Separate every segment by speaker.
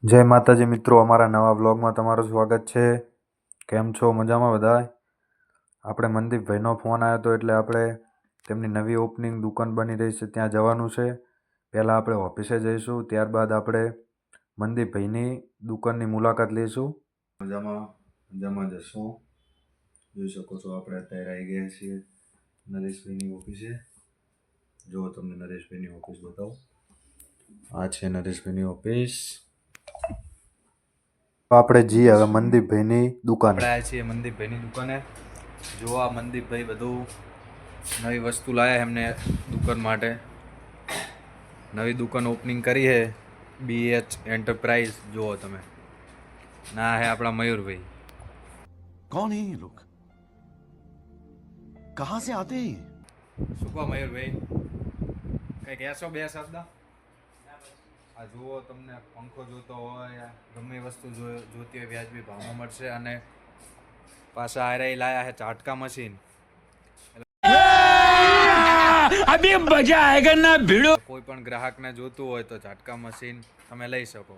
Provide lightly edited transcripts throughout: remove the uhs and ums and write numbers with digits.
Speaker 1: જય માતાજી મિત્રો, અમારા નવા વ્લોગમાં તમારું સ્વાગત છે. કેમ છો? મજામાં બધાય? આપણે મનદીપભાઈનો ફોન આવ્યો હતો એટલે આપણે તેમની નવી ઓપનિંગ દુકાન બની રહી છે ત્યાં જવાનું છે. પહેલાં આપણે ઓફિસે જઈશું, ત્યારબાદ આપણે મનદીપભાઈની દુકાનની મુલાકાત લઈશું. મજામાં જશું. જોઈ શકો છો આપણે અત્યારે આવી ગયા છીએ નરેશભાઈની ઓફિસે. જો તમને નરેશભાઈની ઓફિસ બતાવો. આ છે નરેશભાઈની ઓફિસ. આપણે જઈએ હવે મનદીપભાઈની દુકાને. આપણે આવ્યા છીએ મનદીપભાઈની દુકાને. જોવા મનદીપભાઈ બધું નવી વસ્તુ લાયા એમને દુકાન માટે. નવી દુકાન ઓપનિંગ કરી છે BH એન્ટરપ્રાઇઝ. જુઓ તમે, ના હે આપણા મયુરભાઈ.
Speaker 2: कौन है ये लोग? कहां से आते हैं?
Speaker 1: શું કહો મયુરભાઈ, કઈ કહેશો બે શબ્દ? આ જુઓ, તમને પંખો જોતો હોય, ગમે વસ્તુ જોતી હોય વ્યાજબી ભાવમાં મળશે. અને પાછા આયરા લાયા છે ઝાટકા મશીન. અભી મજા આયેગા ના ભીડો. કોઈ પણ ગ્રાહકને જોતું હોય તો ઝાટકા મશીન તમે લઈ શકો.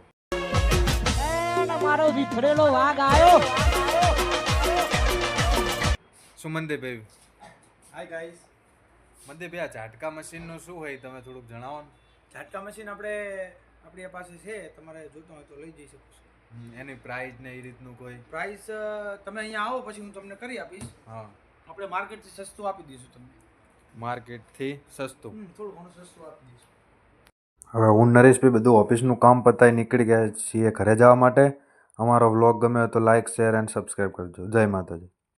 Speaker 3: મારો વિફરેલો વાઘ આવ્યો.
Speaker 1: સુમનદેવભાઈ, હાય ગાઈસ. મનદીપભાઈ, આ ઝાટકા મશીનનું શું હોય તમે થોડુંક જણાવો ને.
Speaker 4: ઝાટકા મશીન આપણી પાસે છે, તમારે જોતું હોય તો લઈ જઈ શકો છો.
Speaker 1: એની પ્રાઇસ ને એ રીતનું કોઈ
Speaker 4: પ્રાઇસ તમે અહીંયા આવો પછી હું તમને કરી આપીશ.
Speaker 1: હા,
Speaker 4: આપણે માર્કેટથી સસ્તું આપી દઈશું તમને.
Speaker 1: માર્કેટથી સસ્તું?
Speaker 4: થોડું ઘણું સસ્તું આપી દઈશું.
Speaker 1: હવે હું નરેશભાઈ બધું ઓફિસનું કામ પતાવી નીકળી ગયા છીએ ઘરે જવા માટે. અમારો વ્લોગ ગમે તો લાઇક, શેર એન્ડ સબસ્ક્રાઈબ કરજો. જય માતાજી.